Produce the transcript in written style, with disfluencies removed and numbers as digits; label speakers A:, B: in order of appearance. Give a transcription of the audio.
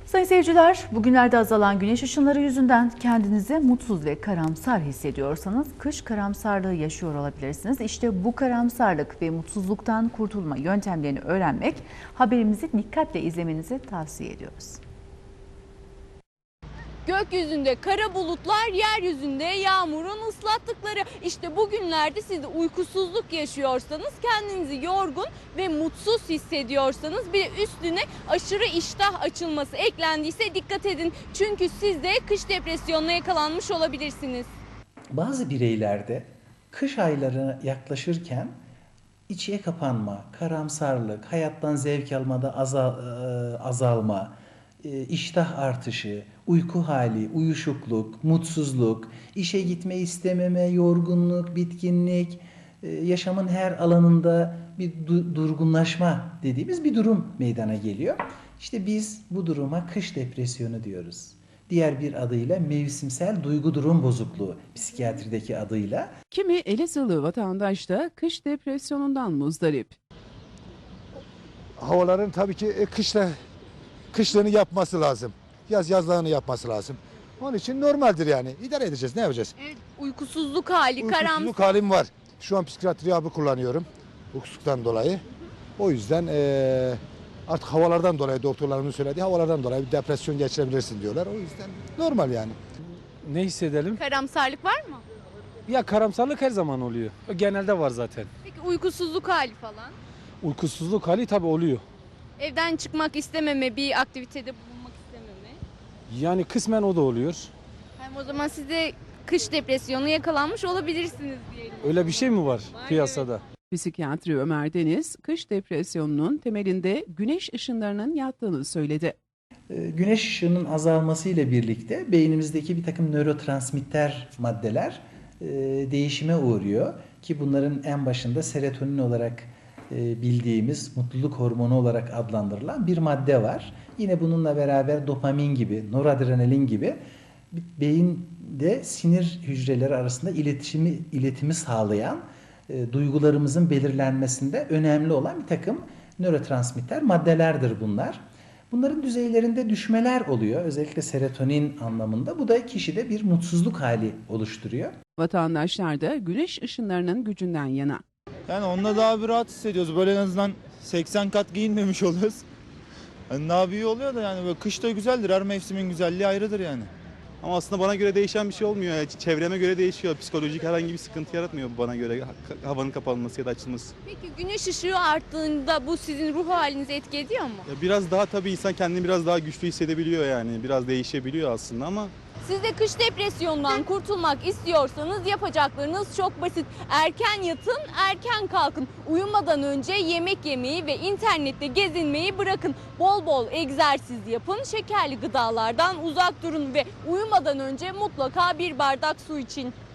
A: Sayın seyirciler, bugünlerde azalan güneş ışınları yüzünden kendinizi mutsuz ve karamsar hissediyorsanız kış karamsarlığı yaşıyor olabilirsiniz. İşte bu karamsarlık ve mutsuzluktan kurtulma yöntemlerini öğrenmek, haberimizi dikkatle izlemenizi tavsiye ediyoruz.
B: Gökyüzünde kara bulutlar, yeryüzünde yağmurun ıslattıkları. İşte bugünlerde siz de uykusuzluk yaşıyorsanız, kendinizi yorgun ve mutsuz hissediyorsanız, bir de üstüne aşırı iştah açılması eklendiyse dikkat edin. Çünkü siz de kış depresyonuna yakalanmış olabilirsiniz.
C: Bazı bireylerde kış ayları yaklaşırken içe kapanma, karamsarlık, hayattan zevk almada azalma, iştah artışı, uyku hali, uyuşukluk, mutsuzluk, işe gitme istememe, yorgunluk, bitkinlik, yaşamın her alanında bir durgunlaşma dediğimiz bir durum meydana geliyor. İşte biz bu duruma kış depresyonu diyoruz. Diğer bir adıyla mevsimsel duygu durum bozukluğu, psikiyatrideki adıyla.
D: Kimi Elazığlı vatandaş da kış depresyonundan muzdarip.
E: Havaların tabii ki kışlarını yapması lazım. Yazlarını yapması lazım. Onun için normaldir yani. İdare edeceğiz. Ne yapacağız?
B: Evet, uykusuzluk hali, karamsar.
E: Uykusuzluk halim var. Şu an psikiyatri hapı kullanıyorum. Uykusuzluktan dolayı. O yüzden artık havalardan dolayı doktorlarımın söylediği havalardan dolayı bir depresyon geçirebilirsin diyorlar. O yüzden normal yani.
F: Ne hissedelim?
B: Karamsarlık var mı?
F: Ya karamsarlık her zaman oluyor. O genelde var zaten.
B: Peki uykusuzluk hali falan?
F: Uykusuzluk hali tabii oluyor.
B: Evden çıkmak istememe, bir aktivitede bulunmak istememe.
F: Yani kısmen o da oluyor.
B: Hem o zaman siz de kış depresyonu yakalanmış olabilirsiniz diyelim.
F: Öyle bir şey mi var
B: Var,
F: piyasada?
D: Psikiyatri Ömer Deniz, kış depresyonunun temelinde güneş ışınlarının yattığını söyledi.
C: Güneş ışığının azalması ile birlikte beynimizdeki bir takım nörotransmitter maddeler değişime uğruyor. Ki bunların en başında serotonin olarak bildiğimiz mutluluk hormonu olarak adlandırılan bir madde var. Yine bununla beraber dopamin gibi, noradrenalin gibi beyinde sinir hücreleri arasında iletimi sağlayan, duygularımızın belirlenmesinde önemli olan bir takım nörotransmitter maddelerdir bunlar. Bunların düzeylerinde düşmeler oluyor. Özellikle serotonin anlamında. Bu da kişide bir mutsuzluk hali oluşturuyor.
D: Vatandaşlar da güneş ışınlarının gücünden yana.
G: Yani onunla daha bir rahat hissediyoruz. Böyle en azından 80 kat giyinmemiş oluyoruz. Yani daha bir iyi oluyor da yani böyle kış da güzeldir. Her mevsimin güzelliği ayrıdır yani.
H: Ama aslında bana göre değişen bir şey olmuyor. Yani çevreme göre değişiyor. Psikolojik herhangi bir sıkıntı yaratmıyor bana göre havanın kapanması ya da açılması.
B: Peki güneş ışığı arttığında bu sizin ruh halinizi etki ediyor mu?
H: Ya biraz daha tabii insan kendini biraz daha güçlü hissedebiliyor yani. Biraz değişebiliyor aslında ama
B: Siz de kış depresyonundan kurtulmak istiyorsanız yapacaklarınız çok basit. Erken yatın, erken kalkın. Uyumadan önce yemek yemeyi ve internette gezinmeyi bırakın. Bol bol egzersiz yapın, şekerli gıdalardan uzak durun ve uyumadan önce mutlaka bir bardak su için.